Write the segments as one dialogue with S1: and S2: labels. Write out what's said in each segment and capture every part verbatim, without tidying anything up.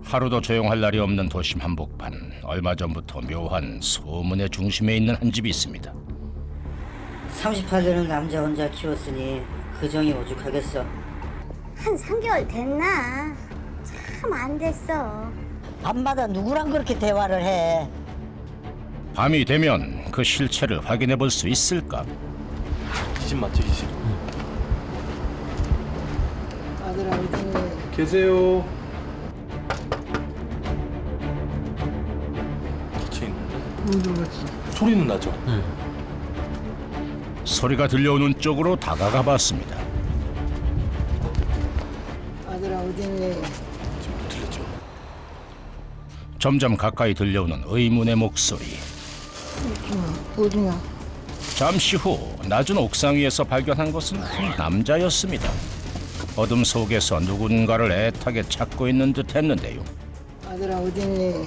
S1: 하루도 조용할 날이 없는 도심 한복판. 얼마 전부터 묘한 소문의 중심에 있는 한 집이 있습니다.
S2: 삼십팔 되는 남자 혼자 키웠으니 그 정이 오죽하겠어.
S3: 한 삼 개월 됐나? 참 안 됐어.
S2: 밤마다 누구랑 그렇게 대화를 해?
S1: 밤이 되면 그 실체를 확인해 볼 수 있을까?
S4: 이 집 맞죠, 이 집?
S5: 아들아 어디
S4: 계세요. 닫혀 있는데
S5: 문 들어갔어?
S4: 소리는 나죠? 네.
S1: 소리가 들려오는 쪽으로 다가가 봤습니다.
S5: 아들아 어딨니?
S4: 지금 못 들렸죠?
S1: 점점 가까이 들려오는 의문의 목소리.
S5: 어디냐?
S1: 잠시 후 낮은 옥상 위에서 발견한 것은 한 남자였습니다. 어둠 속에서 누군가를 애타게 찾고 있는 듯 했는데요.
S5: 아들아 어딨니?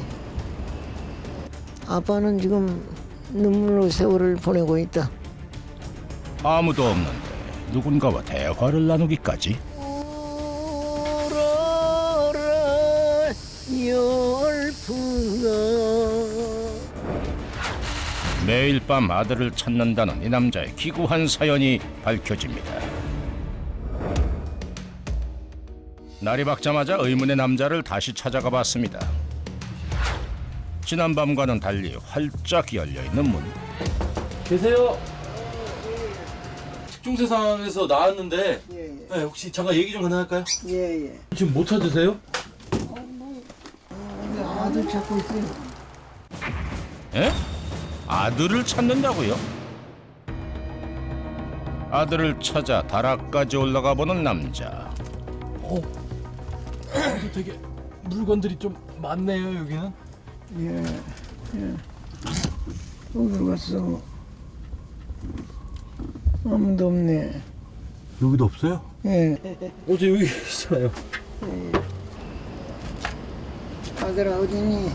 S5: 아빠는 지금 눈물로 세월을 보내고 있다.
S1: 아무도 없는데 누군가와 대화를 나누기까지.
S5: 우러라 열풍아.
S1: 매일 밤 아들을 찾는다는 이 남자의 기구한 사연이 밝혀집니다. 날이 밝자마자 의문의 남자를 다시 찾아가 봤습니다. 지난밤과는 달리 활짝 열려있는 문.
S4: 계세요. 집중세상에서 나왔는데
S5: 예예.
S4: 네, 혹시 잠깐 얘기 좀 가능할까요?
S5: 예예.
S4: 지금 못 찾으세요?
S5: 우리 아들 찾고 있어요.
S1: 에? 아들을 찾는다고요? 아들을 찾아 다락까지 올라가 보는 남자.
S4: 어. 되게 물건들이 좀 많네요, 여기는.
S5: 예. 예. 어디로 갔어? 아무도 없네.
S4: 여기도 없어요?
S5: 예.
S4: 어제 여기 있잖아요.
S5: 아들아 어딨니?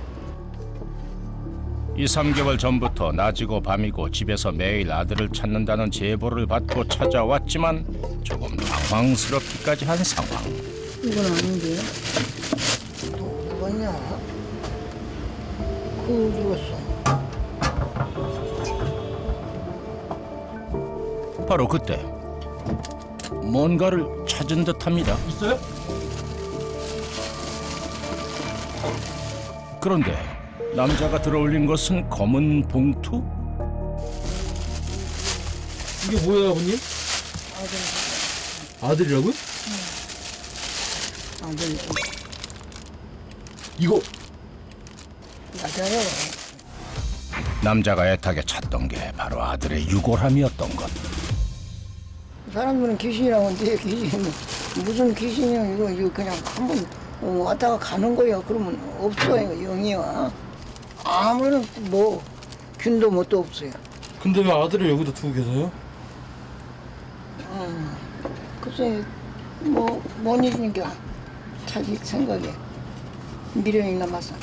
S1: 이, 삼 개월 전부터 낮이고 밤이고 집에서 매일 아들을 찾는다는 제보를 받고 찾아왔지만 조금 당황스럽기까지 한 상황.
S5: 이건 아닌데. 누구냐? 그 어디 갔어?
S1: 바로 그때 뭔가를 찾은 듯합니다.
S4: 있어요?
S1: 그런데 남자가 들어올린 것은 검은 봉투?
S4: 이게 뭐예요, 아버님?
S5: 아들.
S4: 아들이라고요?
S5: 아들.
S4: 이거
S5: 맞아요.
S1: 남자가 애타게 찾던 게 바로 아들의 유골함이었던 것.
S5: 사람들은 귀신이라고 하는데 귀신 무슨 귀신이야 이거 이거 그냥 한번 어, 왔다가 가는 거야. 그러면 없어요 영이야. 아무런 뭐 균도 뭣도 없어요.
S4: 근데 왜 아들을 여기다 두고 계세요?
S5: 음, 글쎄 뭐뭔 일인가 자기 생각에 미련이 남아서.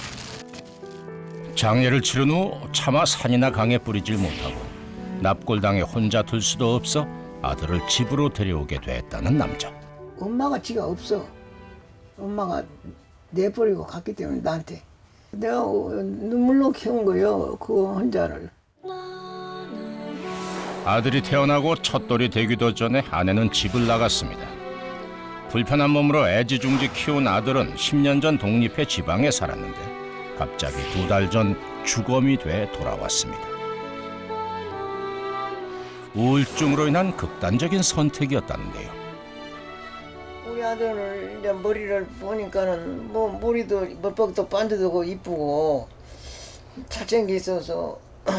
S1: 장례를 치른 후 차마 산이나 강에 뿌리질 못하고 납골당에 혼자 둘 수도 없어 아들을 집으로 데려오게 됐다는 남자.
S5: 엄마가 지가 없어. 엄마가 내버리고 갔기 때문에 나한테 내가 눈물로 키운 거요 그 혼자를.
S1: 아들이 태어나고 첫돌이 되기도 전에 아내는 집을 나갔습니다. 불편한 몸으로 애지중지 키운 아들은 십 년 전 독립해 지방에 살았는데 갑자기 두 달 전 주검이 돼 돌아왔습니다. 우울증으로 인한 극단적인 선택이었다는데요.
S5: 우리 아들을 이제 머리를 보니까는 뭐 머리도 멋박도 반듯하고 이쁘고 잘생겨 있어서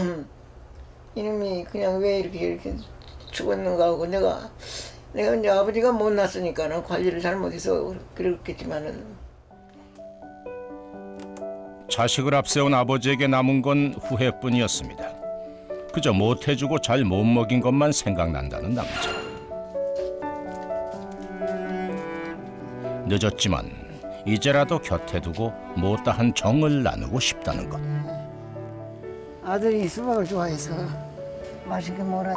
S5: 이놈이 그냥 왜 이렇게 이렇게 죽었는가 하고 내가 내가 이제 아버지가 못 났으니까는 관리를 잘못해서 그렇겠지만은
S1: 자식을 앞세운 아버지에게 남은 건 후회뿐이었습니다. 그저 못해주고 잘 못 먹인 것만 생각난다는 남자. 늦었지만 이제라도 곁에 두고 못다한 정을 나누고 싶다는 것.
S5: 아들이 수박을 좋아해서 맛있게 먹으라.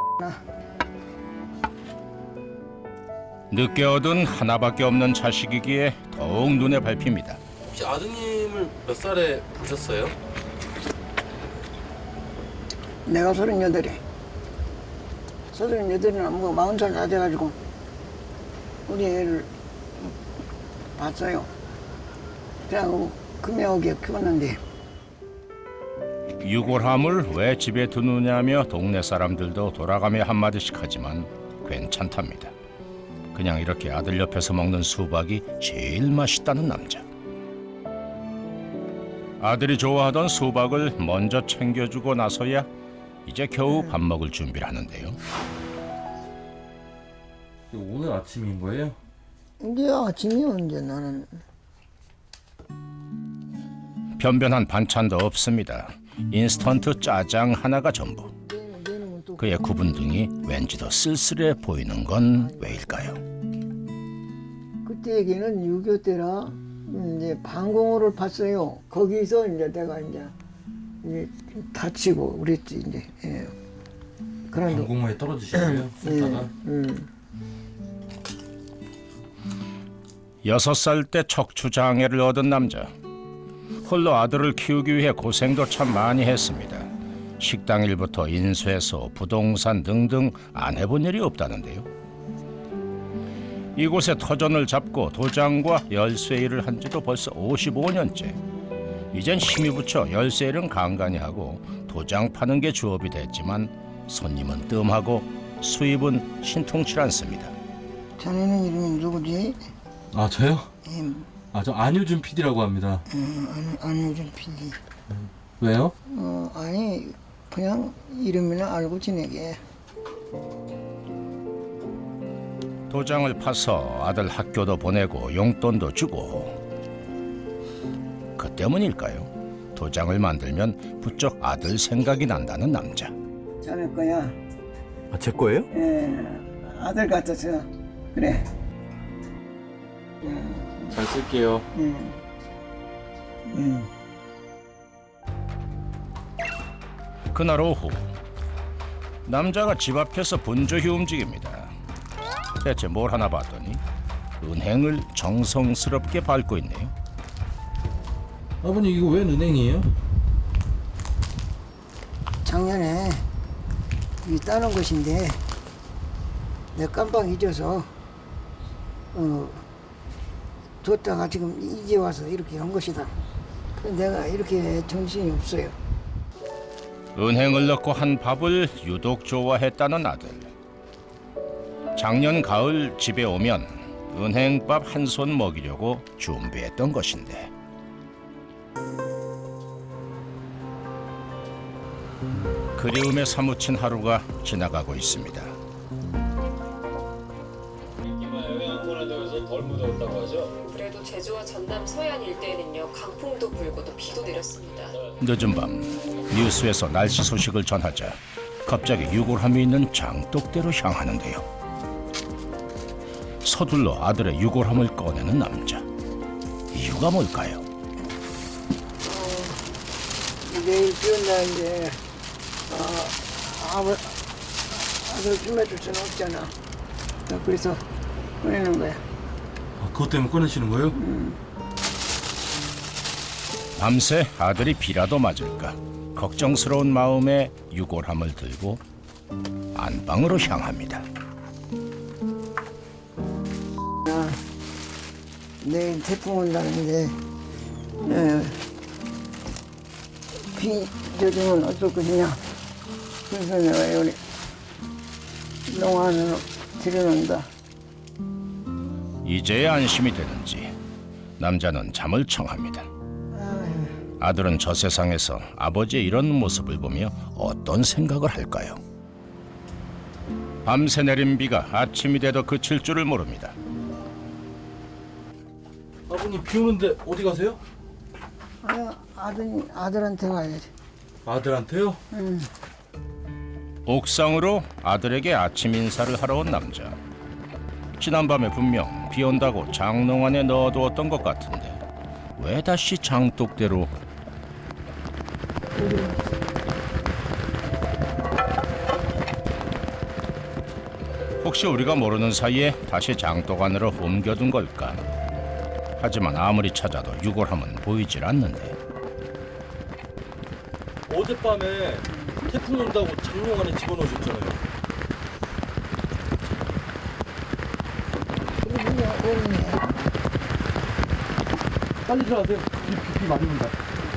S1: 늦게 얻은 하나밖에 없는 자식이기에 더욱 눈에 밟힙니다.
S4: 혹시 아드님을 몇 살에 보셨어요?
S5: 내가 서른여덟에 서른여덟이나 뭐 마흔 살 다 돼가지고 우리 애를 봤어요. 그래갖고 금요하게 키웠는데
S1: 유골함을 왜 집에 두느냐며 동네 사람들도 돌아가며 한마디씩 하지만 괜찮답니다. 그냥 이렇게 아들 옆에서 먹는 수박이 제일 맛있다는 남자. 아들이 좋아하던 수박을 먼저 챙겨주고 나서야 이제 겨우 밥 먹을 준비를 하는데요.
S4: 오늘 아침인 거예요?
S5: 이제 아침이요. 이제 나는
S1: 변변한 반찬도 없습니다. 인스턴트 짜장 하나가 전부. 그의 구분등이 왠지 더 쓸쓸해 보이는 건 왜일까요?
S5: 그때 얘기는 유교 때라 이제 방공호를 봤어요. 거기서 이제 내가 이제, 이제 다치고 그랬지 이제. 예. 그런
S4: 방공호에 떨어지셨어요? sul다가?
S5: 음.
S1: 여섯 살 때 척추 장애를 얻은 남자. 홀로 아들을 키우기 위해 고생도 참 많이 했습니다. 식당 일부터 인쇄소, 부동산 등등 안 해본 일이 없다는데요. 이곳에 터전을 잡고 도장과 열쇠 일을 한 지도 벌써 오십오 년째. 이젠 힘이 붙여 열쇠 일은 간간히 하고 도장 파는 게 주업이 됐지만 손님은 뜸하고 수입은 신통치 않습니다.
S5: 자네는 이름이 누구지?
S4: 아 저요?
S5: 예,
S4: 아 저 안효준 피디라고 합니다.
S5: 음, 아니, 안효준 피디.
S4: 왜요?
S5: 어, 아니 그냥 이름이나 알고 지내게.
S1: 도장을 파서 아들 학교도 보내고 용돈도 주고. 그 때문일까요? 도장을 만들면 부쩍 아들 생각이 난다는 남자.
S5: 자네 거야.
S4: 아 제 거예요?
S5: 예, 아들 같아서 그래.
S4: 잘 쓸게요.
S5: 음. 음.
S1: 그날 오후 남자가 집 앞에서 분주히 움직입니다. 대체 뭘 하나 봤더니 은행을 정성스럽게 밟고 있네요.
S4: 아버님 이거 웬 은행이에요?
S5: 작년에 이 따는 것인데 내가 깜빡 잊어서 어, 뒀다가 지금 이제 와서 이렇게 한 것이다. 그래서 내가 이렇게 정신이 없어요.
S1: 은행을 넣고 한 밥을 유독 좋아했다는 아들. 작년 가을 집에 오면 은행밥 한 손 먹이려고 준비했던 것인데 그리움에 사무친 하루가 지나가고 있습니다.
S6: 그래도 제주와 전남 서해안 일대에는요 강풍도 불고 또 비도 내렸습니다.
S1: 늦은 밤 뉴스에서 날씨 소식을 전하자 갑자기 유골함이 있는 장독대로 향하는데요. 서둘러 아들의 유골함을 꺼내는 남자. 이유가 뭘까요?
S5: 내일 비온 날인데 어, 아버, 아들 숨어줄 수는 없잖아. 그래서 꺼내는 거야.
S4: 아, 그것 때문에 꺼내시는 거예요?
S1: 밤새 아들이 비라도 맞을까 걱정스러운 마음에 유골함을 들고 안방으로 향합니다.
S5: 나 내일 태풍 온다는데 에, 비 젖으면 어쩔 것이냐. 그래서 내가 여기 농안으로 들여놓는다.
S1: 이제야 안심이 되는지 남자는 잠을 청합니다. 아들은 저 세상에서 아버지의 이런 모습을 보며 어떤 생각을 할까요? 밤새 내린 비가 아침이 돼도 그칠 줄을 모릅니다.
S4: 아버님 비 오는데 어디 가세요?
S5: 아, 아들, 아들한테 가야지.
S4: 아들한테요?
S5: 응.
S1: 옥상으로 아들에게 아침 인사를 하러 온 남자. 지난밤에 분명 비 온다고 장롱 안에 넣어두었던 것 같은데 왜 다시 장독대로? 혹시 우리가 모르는 사이에 다시 장독 안으로 옮겨둔 걸까? 하지만 아무리 찾아도 유골함은 보이질 않는데
S4: 어젯밤에 태풍 온다고 장롱 안에 집어넣으셨잖아요.
S5: 그러면 어머니.
S4: 빨리 들어가세요. 비, 비 맞습니다.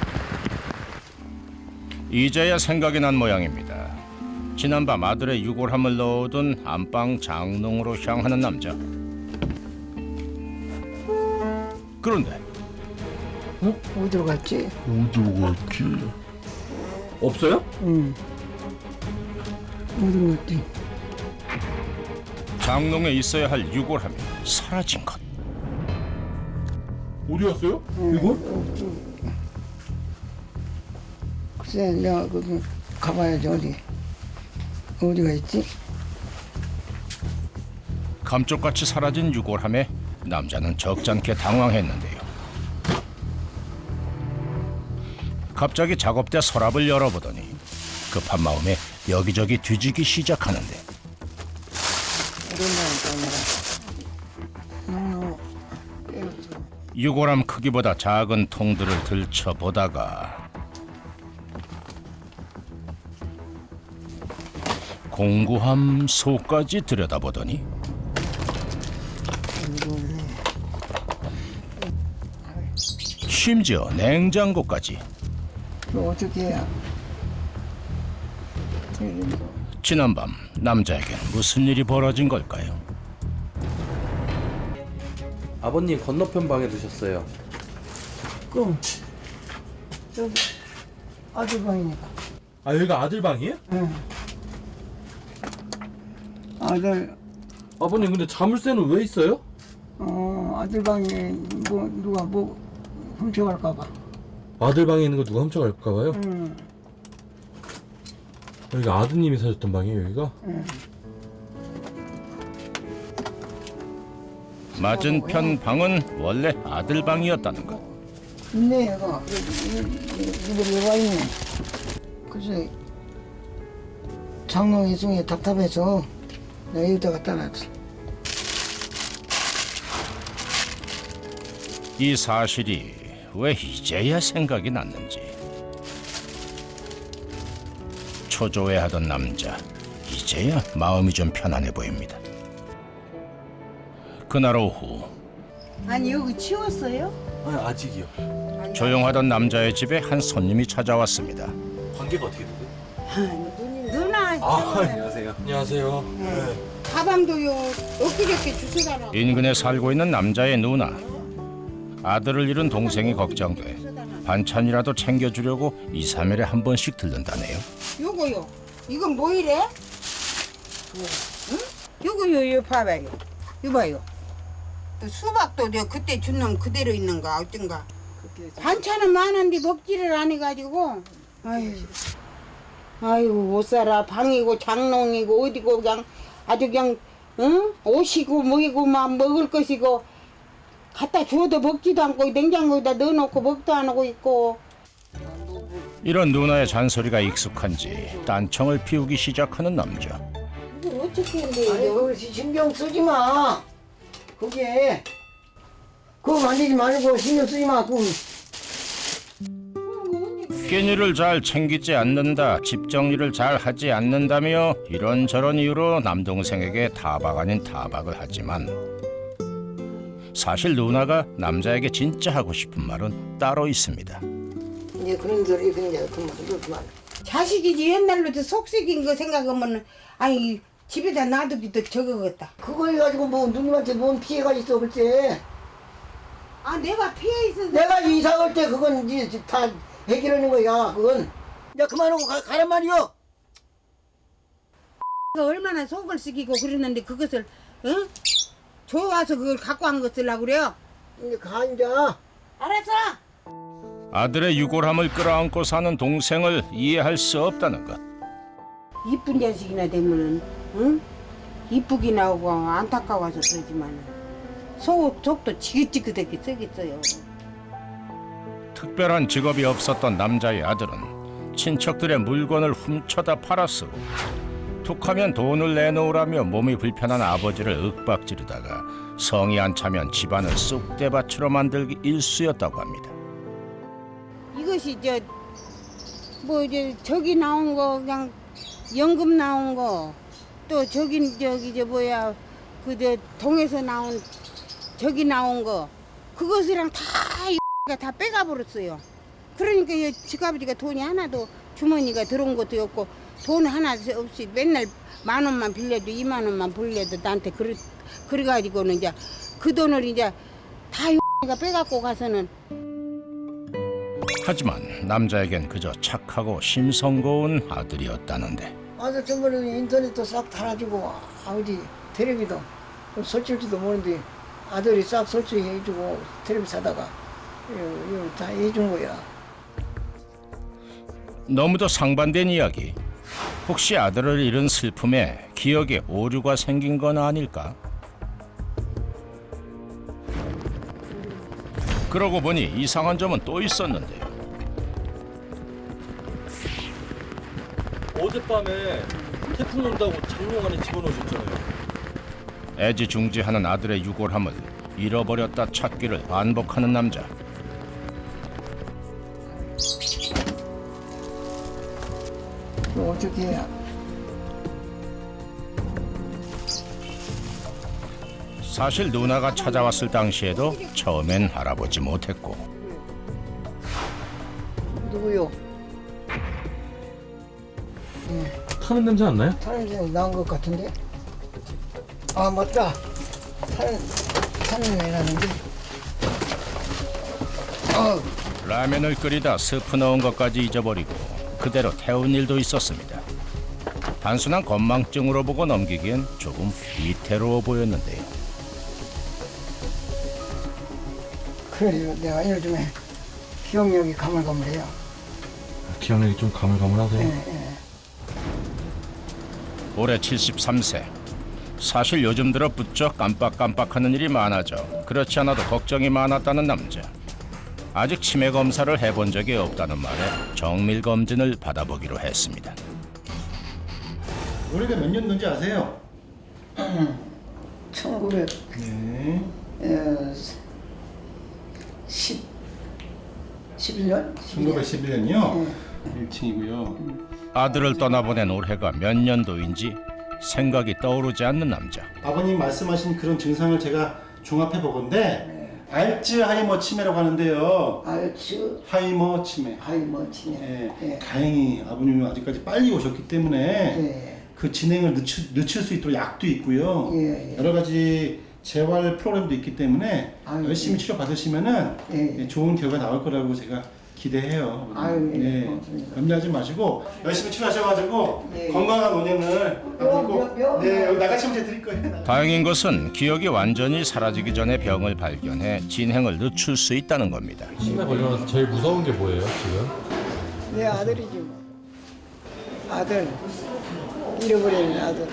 S1: 이제야 생각이 난 모양입니다. 지난밤 아들의 유골함을 넣어둔 안방 장롱으로 향하는 남자. 그런데
S5: 응? 어디로 갔지?
S4: 없어요?
S5: 응. 어디로 갔지?
S1: 장롱에 있어야 할 유골함이 사라진 것.
S4: 어디 갔어요? 이거?
S5: 글쎄, 내가 그 가봐야지 어디. 어디가 있지?
S1: 감쪽같이 사라진 유골함에 남자는 적잖게 당황했는데요. 갑자기 작업대 서랍을 열어보더니 급한 마음에 여기저기 뒤지기 시작하는데
S5: 오랜만에 또 내가.
S1: 유골함 크기보다 작은 통들을 들춰보다가 공구함 속까지 들여다보더니 심지어 냉장고까지.
S5: 그 어떻게 해야?
S1: 지난밤 남자에겐 무슨 일이 벌어진 걸까요?
S4: 아버님 건너편 방에 두셨어요.
S5: 그럼 저기 아들 방이니까.
S4: 아 여기가 아들 방이에요?
S5: 응. 아들
S4: 아버님 근데 자물쇠는 왜 있어요?
S5: 어 아들 방에 뭐 누가 뭐 훔쳐갈까 봐.
S4: 아들 방에 있는 거 누가 훔쳐갈까 봐요?
S5: 응.
S4: 여기가 아드님이 사셨던 방이에요 여기가?
S5: 응.
S1: 맞은편 방은 원래 아들 방이었다는 것.
S5: 있네 얘가. 이거 얘가 있네. 글쎄 장롱 이중에 답답해서 내가 여기다 갖다 놨어.
S1: 이 사실이 왜 이제야 생각이 났는지. 초조해하던 남자, 이제야 마음이 좀 편안해 보입니다. 그날 오후
S7: 아니 여기 치웠어요?
S4: 아니 아직이요.
S1: 조용하던 남자의 집에 한 손님이 찾아왔습니다.
S4: 관계가 어떻게 되세요?
S7: 누나
S4: 아 안녕하세요. 안녕하세요. 네.
S7: 가방도요 엊그저께 주워달라고.
S1: 인근에 살고 있는 남자의 누나. 아들을 잃은 동생이 걱정돼 반찬이라도 챙겨주려고 이, 삼 일에 한 번씩 들른다네요.
S7: 요거요 이건 뭐 이래? 응? 요거요 요 봐봐요 요 봐요 수박도 내가 그때 준 놈 그대로 있는가 어쩐가 반찬은 많은데 먹지를 안 해가지고 아유 아이고 못 살아. 방이고 장롱이고 어디고 그냥 아주 그냥 응? 옷이고 뭐이고 막 먹을 것이고 갖다 줘도 먹지도 않고 냉장고에다 넣어놓고 먹도 안 하고 있고.
S1: 이런 누나의 잔소리가 익숙한지 딴청을 피우기 시작하는 남자.
S7: 이걸 어떻게
S5: 아니
S7: 했는데
S5: 그거 신경 쓰지 마. 그게 그거 만지지 말고 신경 쓰지 마. 그거
S1: 끼니를 잘 챙기지 않는다, 집 정리를 잘 하지 않는다며 이런저런 이유로 남동생에게 타박 아닌 타박을 하지만 사실 누나가 남자에게 진짜 하고 싶은 말은 따로 있습니다.
S5: 이제 그런 소리 그냥 그만 그만.
S7: 자식이지 옛날부터 속썩인 거 생각하면 아니 집에다 놔두기도 적어겠다.
S5: 그거 해가지고 뭐 누님한테 뭔 피해가 있어 글쎄.
S7: 아 내가 피해 있어서
S5: 내가 이사 갈 때 그건 이제 다 해결하는 거야. 그건 야 그만하고 가, 가란 말이요.
S7: 얼마나 속을 썩이고 그랬는데 그것을 응? 좋아서 그걸 갖고 한 거 쓰려고 그래요.
S5: 이제 가 이제.
S7: 알았어.
S1: 아들의 유골함을 끌어안고 사는 동생을 이해할 수 없다는 것.
S7: 이쁜 자식이나 되면은 응? 이쁘긴 하고 안타까워서 그러지만 속, 속도 지긋지긋하게 썩겠어요.
S1: 특별한 직업이 없었던 남자의 아들은 친척들의 물건을 훔쳐다 팔았으고 툭하면 돈을 내놓으라며 몸이 불편한 아버지를 윽박지르다가 성이 안 차면 집안을 쑥대밭으로 만들기 일쑤였다고 합니다.
S7: 이것이 저 뭐 이제 저기 나온 거 그냥 연금 나온 거 또 저기 저기 저 뭐야 그 저 동에서 나온 저기 나온 거 그것이랑 다 다 빼가 버렸어요. 그러니까 이 지가버지가 돈이 하나도 주머니가 들어온 것도 없고 돈 하나 없이 맨날 만 원만 빌려도 이만 원만 빌려도 나한테 그래 그래가지고는 이제 그 돈을 이제 다 가 빼갖고 가서는.
S1: 하지만 남자에겐 그저 착하고 심성고운 아들이었다는데
S5: 아들 전번에 인터넷도 싹 달아주고 아버지 텔레비도 설치할지도 모르는데 아들이 싹 설치해주고 텔레비 사다가 이거, 이거 다 해준 거야.
S1: 너무도 상반된 이야기. 혹시 아들을 잃은 슬픔에 기억에 오류가 생긴 건 아닐까? 그러고 보니 이상한 점은 또 있었는데요.
S4: 어젯밤에 태풍 온다고 장롱 안에 집어넣으셨잖아요.
S1: 애지중지하는 아들의 유골함을 잃어버렸다 찾기를 반복하는 남자.
S5: 이거 어떻게 해야?
S1: 사실 누나가 찾아왔을 당시에도 처음엔 알아보지 못했고
S5: 누구요?
S4: 타는 냄새 안 나요?
S5: 타는 애 나온 것 같은데? 아 맞다. 타는 타는 애라는데. 아
S1: 라면을 끓이다 스프 넣은 것까지 잊어버리고 그대로 태운 일도 있었습니다. 단순한 건망증으로 보고 넘기기엔 조금 위태로워 보였는데요.
S5: 그래요. 내가 요즘에 기억력이 가물가물해요.
S4: 기억력이 좀 가물가물하세요?
S5: 예, 예.
S1: 올해 칠십삼 세. 사실 요즘 들어 부쩍 깜빡깜빡하는 일이 많아져 그렇지 않아도 걱정이 많았다는 남자. 아직 치매 검사를 해본 적이 없다는 말에 정밀 검진을 받아보기로 했습니다.
S8: 올해가 몇 년도인지 아세요?
S5: 천구백
S8: 네.
S5: 십 십일 년?
S8: 천구백십일 년이요? 일 층이고요.
S1: 아들을 떠나보낸 올해가 몇 년도인지 생각이 떠오르지 않는 남자.
S8: 아버님 말씀하신 그런 증상을 제가 종합해 보건데 알츠하이머 치매라고 하는데요.
S5: 알츠
S8: 하이머 치매.
S5: 하이머 치매.
S8: 예.
S5: 예.
S8: 다행히 아버님은 아직까지 빨리 오셨기 때문에
S5: 예.
S8: 그 진행을 늦추, 늦출 수 있도록 약도 있고요.
S5: 예, 예.
S8: 여러 가지 재활 프로그램도 있기 때문에
S5: 아유,
S8: 열심히
S5: 예.
S8: 치료 받으시면은
S5: 예.
S8: 예, 좋은 결과 나올 거라고 제가 기대해요.
S5: 아유, 예.
S8: 네.
S5: 고맙습니다.
S8: 염려하지 마시고 열심히 치료하셔가지고
S5: 예, 예.
S8: 건강한 오 년을
S5: 뼈,
S8: 앞으로
S5: 뼈, 뼈.
S8: 네 여기 나가시면 제가 드릴 거예요.
S1: 다행인 것은 기억이 완전히 사라지기 전에 병을 발견해 진행을 늦출 수 있다는 겁니다.
S4: 치매 걸려서 제일 무서운 게 뭐예요 지금?
S5: 내 아들이지 뭐. 아들 잃어버린 아들.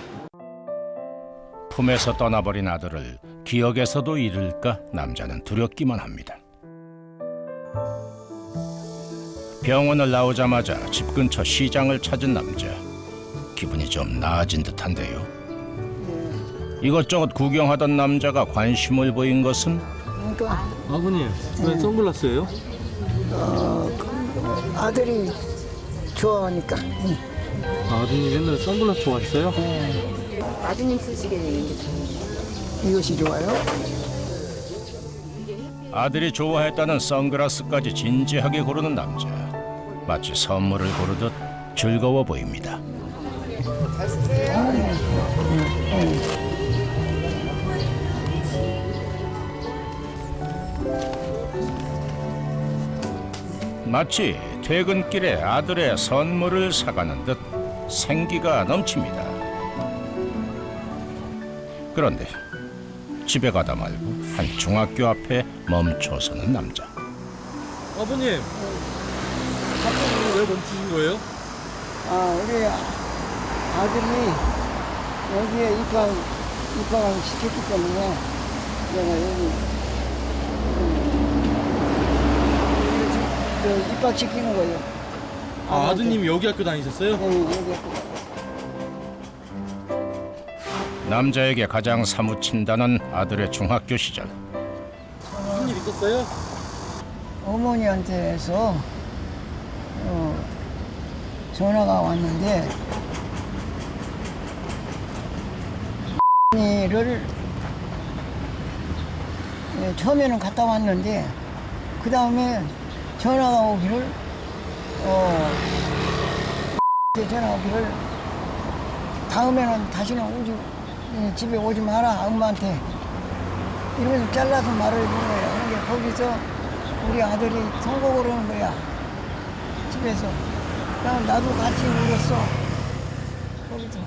S1: 품에서 떠나버린 아들을 기억에서도 잃을까 남자는 두렵기만 합니다. 병원을 나오자마자 집 근처 시장을 찾은 남자. 기분이 좀 나아진 듯한데요. 이것저것 구경하던 남자가 관심을 보인 것은
S5: 그러니까
S4: 아버님 왜 선글라스예요?
S5: 아들이 좋아하니까. 응.
S4: 아드님 옛날에 선글라스 좋아했어요?
S2: 아드님 쓰시게 되는 게
S5: 이것이 좋아요?
S1: 아들이 좋아했다는 선글라스까지 진지하게 고르는 남자. 마치 선물을 고르듯 즐거워 보입니다. 마치 퇴근길에 아들의 선물을 사가는 듯 생기가 넘칩니다. 그런데 집에 가다 말고 한 중학교 앞에 멈춰서는 남자.
S4: 아버님 갑자기 왜 멈추신 거예요?
S5: 아 우리 아들이 여기에 입학 입학을 시켰기 때문에 내가 여기 음, 그 입학 시키는 거예요.
S4: 아, 아드님이 여기 학교 다니셨어요?
S5: 네, 여기
S1: 남자에게 가장 사무친다는 아들의 중학교 시절.
S4: 무슨 일 있었어요?
S5: 어머니한테서 어, 전화가 왔는데 를 예, 처음에는 갔다 왔는데 그 다음에 전화가 오기를 어 전화 오기를 다음에는 다시는 오지 예, 집에 오지 마라 엄마한테 이러면서 잘라서 말을 해준 거야. 근데 거기서 우리 아들이 통곡을 하는 거야 집에서. 그냥 나도 같이 울었어 거기서.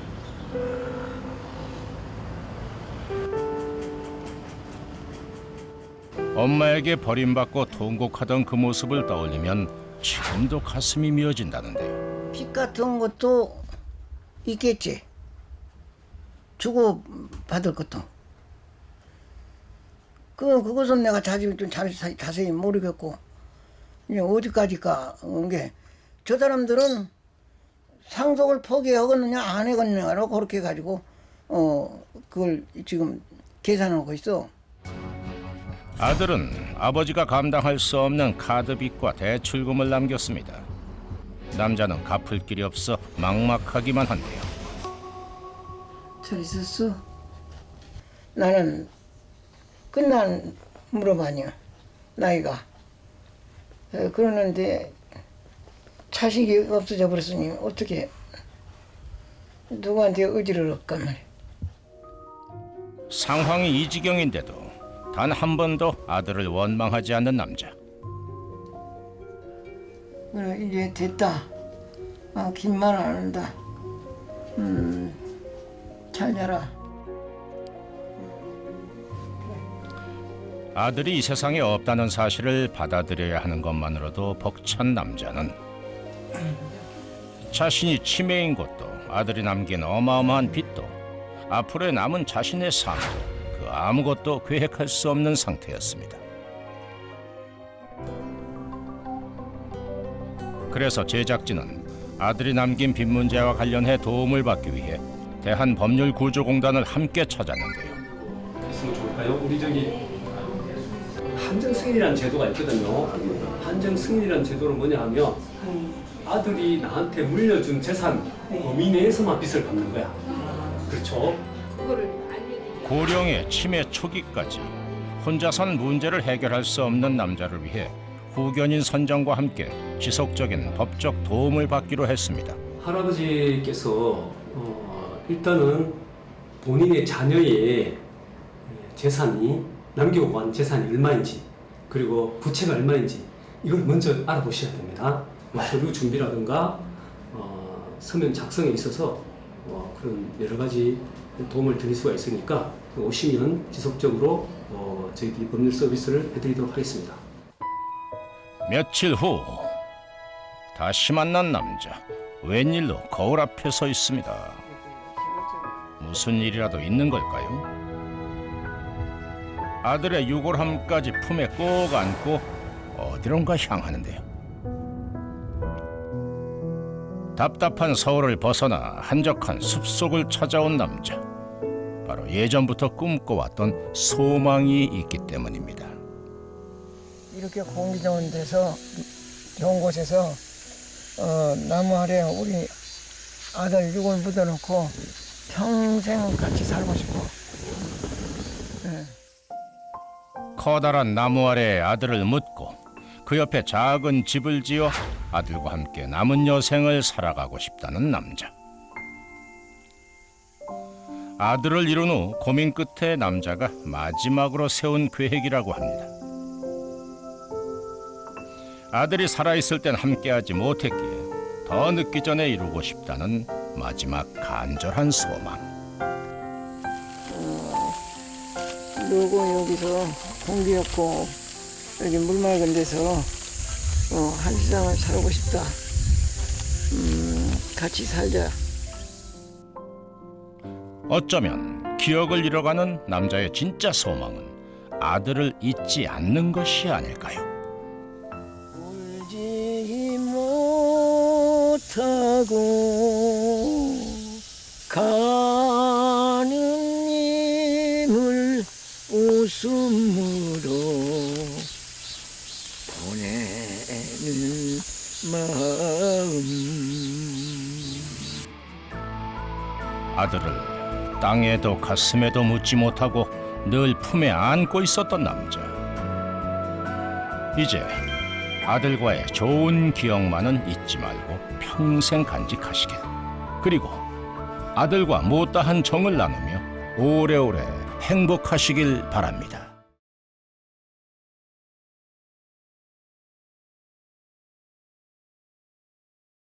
S1: 엄마에게 버림받고 통곡하던 그 모습을 떠올리면 지금도 가슴이 미어진다는데요.
S5: 빚 같은 것도 있겠지. 주고 받을 것도. 그 그것은 내가 자세히 좀 자세히, 자세히 모르겠고 이제 어디까지가 게 저 사람들은 상속을 포기하겠느냐 안 하겠느냐로 그렇게 가지고 어 그걸 지금 계산하고 있어.
S1: 아들은 아버지가 감당할 수 없는 카드빚과 대출금을 남겼습니다. 남자는 갚을 길이 없어 막막하기만 한데요.
S5: 잘 있었어? 나는 끝난 물어봐냐 나이가. 에, 그러는데 자식이 없어져 버렸으니 어떻게 누구한테 의지를 할까 말이야.
S1: 상황이 이 지경인데도 단 한 번도 아들을 원망하지 않는 남자.
S5: 그래 이제 됐다. 아, 긴 말 안 한다. 음, 잘 자라.
S1: 아들이 이 세상에 없다는 사실을 받아들여야 하는 것만으로도 벅찬 남자는 자신이 치매인 것도 아들이 남긴 어마어마한 빚도 앞으로의 남은 자신의 삶도 그 아무것도 계획할 수 없는 상태였습니다. 그래서 제작진은 아들이 남긴 빚 문제와 관련해 도움을 받기 위해 대한법률구조공단을 함께 찾았는데요.
S9: 했으면 좋을까요? 우리 저기 한정 승인이라는 제도가 있거든요. 한정 승인이라는 제도는 뭐냐 하면 아들이 나한테 물려준 재산 범위 내에서만 빚을 갚는 거야. 그렇죠?
S1: 고령의 치매 초기까지 혼자선 문제를 해결할 수 없는 남자를 위해 후견인 선정과 함께 지속적인 법적 도움을 받기로 했습니다.
S9: 할아버지께서 어, 일단은 본인의 자녀의 재산이 남기고 간 재산이 얼마인지 그리고 부채가 얼마인지 이걸 먼저 알아보셔야 됩니다. 뭐 서류 준비라든가 어, 서면 작성에 있어서 어, 그런 여러 가지 도움을 드릴 수가 있으니까 오시면 지속적으로 어, 저희 법률 서비스를 해드리도록 하겠습니다.
S1: 며칠 후 다시 만난 남자. 웬일로 거울 앞에 서 있습니다. 무슨 일이라도 있는 걸까요? 아들의 유골함까지 품에 꼭 안고 어디론가 향하는데요. 답답한 서울을 벗어나 한적한 숲속을 찾아온 남자. 바로 예전부터 꿈꿔왔던 소망이 있기 때문입니다.
S5: 이렇게 공기 좋은 데서 좋은 곳에서 어, 나무 아래 우리 아들 육을 묻어놓고 평생 같이 살고 싶어. 네.
S1: 커다란 나무 아래 아들을 묻고 그 옆에 작은 집을 지어 아들과 함께 남은 여생을 살아가고 싶다는 남자. 아들을 이룬 후 고민 끝에 남자가 마지막으로 세운 계획이라고 합니다. 아들이 살아있을 땐 함께하지 못했기에 더 늦기 전에 이루고 싶다는 마지막 간절한 소망.
S5: 너고 여기서 공기 좋고 여기 물 맑은 데서 어, 한 세상을 살고 싶다. 음, 같이 살자.
S1: 어쩌면 기억을 잃어가는 남자의 진짜 소망은 아들을 잊지 않는 것이 아닐까요?
S5: 울지 못하고 가는 마음으로 보내는 마음.
S1: 아들을 땅에도 가슴에도 묻지 못하고 늘 품에 안고 있었던 남자. 이제 아들과의 좋은 기억만은 잊지 말고 평생 간직하시길. 그리고 아들과 못다한 정을 나누며 오래오래 행복하시길 바랍니다.